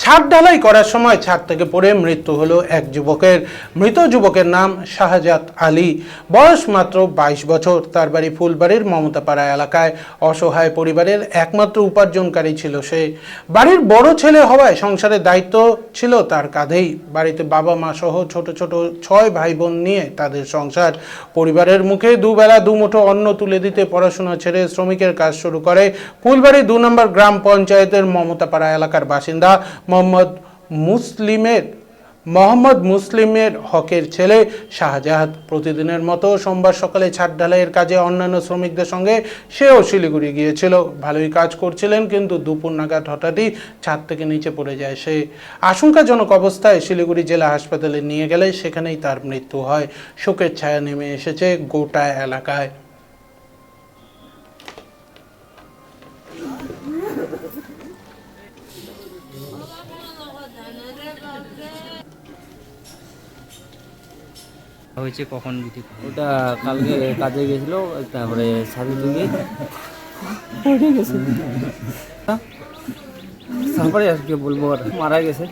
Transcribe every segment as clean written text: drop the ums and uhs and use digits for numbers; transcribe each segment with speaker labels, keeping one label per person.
Speaker 1: ছাদ ঢালাই করার সময় ছাদ থেকে পড়ে মৃত্যু হলো এক যুবকের। মৃত যুবকের নাম শাহজাদ আলী, বয়স মাত্র 22 বছর। তার বাড়ি ফুলবাড়ির মমতাপাড়া এলাকায়। অসহায় পরিবারের একমাত্র উপার্জনকারী ছিল সে। বাড়ির বড় ছেলে হওয়ায় সংসারের দায়িত্ব ছিল তার কাঁধেই। বাড়িতে বাবা মা সহ ছোট ছোট 6 ভাই বোন নিয়ে তাদের সংসার। পরিবারের মুখে দুবেলা দুমুঠো অন্ন তুলে দিতে পড়াশোনা ছেড়ে শ্রমিকের কাজ শুরু করে ফুলবাড়ি 2 নম্বর গ্রাম পঞ্চায়েতের মমতাপাড়া এলাকার বাসিন্দা মোহাম্মদ মুসলিমের হকের ছেলে শাহজাদ। প্রতিদিনের মতো সোমবার সকালে ছাদ ঢালাইয়ের কাজে অন্যান্য শ্রমিকদের সঙ্গে সেও শিলিগুড়ি গিয়েছিল। ভালোই কাজ করছিলেন, কিন্তু দুপুর নাগাদ হঠাৎই ছাদ থেকে নিচে পড়ে যায় সে। আশঙ্কাজনক অবস্থায় শিলিগুড়ি জেলা হাসপাতালে নিয়ে গেলে সেখানেই তার মৃত্যু হয়। শোকের ছায়া নেমে এসেছে গোটা এলাকায়।
Speaker 2: হয়েছে কখন যদি
Speaker 3: ওটা কালকে কাজে গেছিল, তারপরে সাথে থেকে পড়ে গেছে। তারপরে আর কি বলবো, আর মারা গেছে।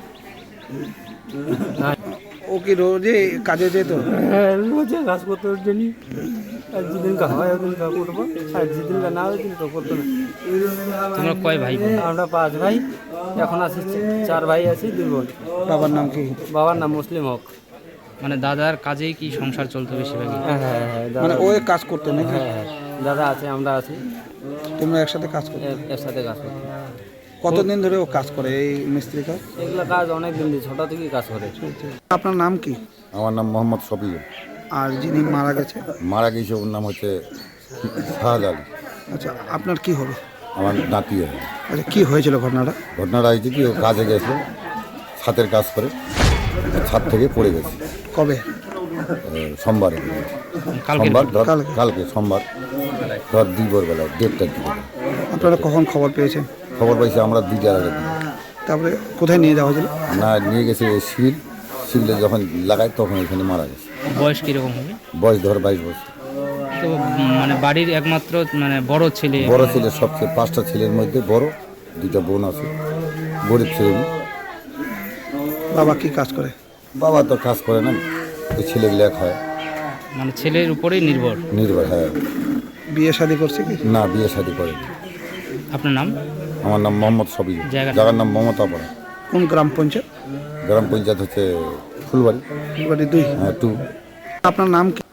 Speaker 4: ও কি রোজে কাজে যেত?
Speaker 3: হ্যাঁ, রোজে কাজ করতে জন্য আর যেদিন হয় ওদিন করবো, আর যেদিন না ওই দিন করতো না।
Speaker 2: তোমরা কয় ভাই বোন?
Speaker 3: আমরা 5 ভাই, এখন আছি 4 ভাই আছি, 2 বোন।
Speaker 4: বাবার নাম কি?
Speaker 3: বাবার নাম মুসলিম হক।
Speaker 2: মানে দাদার কাজেই কি সংসার চলতো বেশিরভাগই?
Speaker 3: হ্যাঁ হ্যাঁ হ্যাঁ,
Speaker 4: মানে
Speaker 3: দাদা।
Speaker 4: ও কাজ করতো নাকি?
Speaker 3: হ্যাঁ হ্যাঁ, দাদা আছে, আমরা আছি,
Speaker 4: তোমরা একসাথে কাজ করতো?
Speaker 3: এর সাথে কাজ করতে।
Speaker 4: কতদিন ধরে ও কাজ করে এই মিস্ত্রি কাজ?
Speaker 3: এগুলো কাজ অনেক দিন দিয়ে, ছোট থেকেই কাজ করে।
Speaker 4: আপনার নাম কি?
Speaker 5: আমার নাম মোহাম্মদ শফিউল।
Speaker 4: আর যিনি মারা গেছে?
Speaker 5: মারা গেছে ওর নাম হচ্ছে শাহজাদ আলী।
Speaker 4: আচ্ছা, আপনার কি হবে?
Speaker 5: আমার নাতি হয়।
Speaker 4: আচ্ছা, কি হয়েছিল ঘটনাটা?
Speaker 5: ঘটনাটা হয়েছে কি, ও কাজে গেছে, ছাদের কাজ করে ছাদ থেকে পড়ে গেছে
Speaker 4: কবে?
Speaker 5: সোমবারে।
Speaker 2: কালকে
Speaker 5: সোমবার ধর,
Speaker 4: কালকে।
Speaker 5: কালকে সোমবার ধর দুপুরবেলা 1:30টার দিকে
Speaker 4: আপনারা কখন খবর পেয়েছেন?
Speaker 5: খবর পাইছে আমরা 2টার আগে।
Speaker 4: তারপরে কোথায় নিয়ে যাওয়া হয়েছিল?
Speaker 5: না, নিয়ে গেছে সিভিলে যখন লাগায় তখন এখানে মারা গেছে।
Speaker 2: বয়স কিরকম হবে?
Speaker 5: বয়স ধর 22 বছর।
Speaker 2: তো মানে বাড়ির একমাত্র মানে বড় ছেলে?
Speaker 5: বড় ছেলে, সবচেয়ে 5টা ছেলের মধ্যে বড়। 2টা বোন আছে, গরিব ছেলে।
Speaker 4: বাবা কি কাজ করে?
Speaker 5: বাবা তো কাজ করে না, ওই ছেলেগুলো এক হয়
Speaker 2: মানে ছেলের উপরেই নির্ভর।
Speaker 5: হ্যাঁ।
Speaker 4: বিয়ে শাদী করছে কি?
Speaker 5: না, বিয়ে শাদী করে।
Speaker 2: আপনার নাম?
Speaker 5: আমার নাম মোহাম্মদ শফিউল। জায়গার নাম মমতাপাড়া।
Speaker 4: কোন গ্রাম পঞ্চায়েত?
Speaker 5: গ্রাম পঞ্চায়েত হচ্ছে ফুলবাড়ি।
Speaker 4: ফুলবাড়ি 2।
Speaker 5: হ্যাঁ, 2।
Speaker 4: আপনার নাম কি?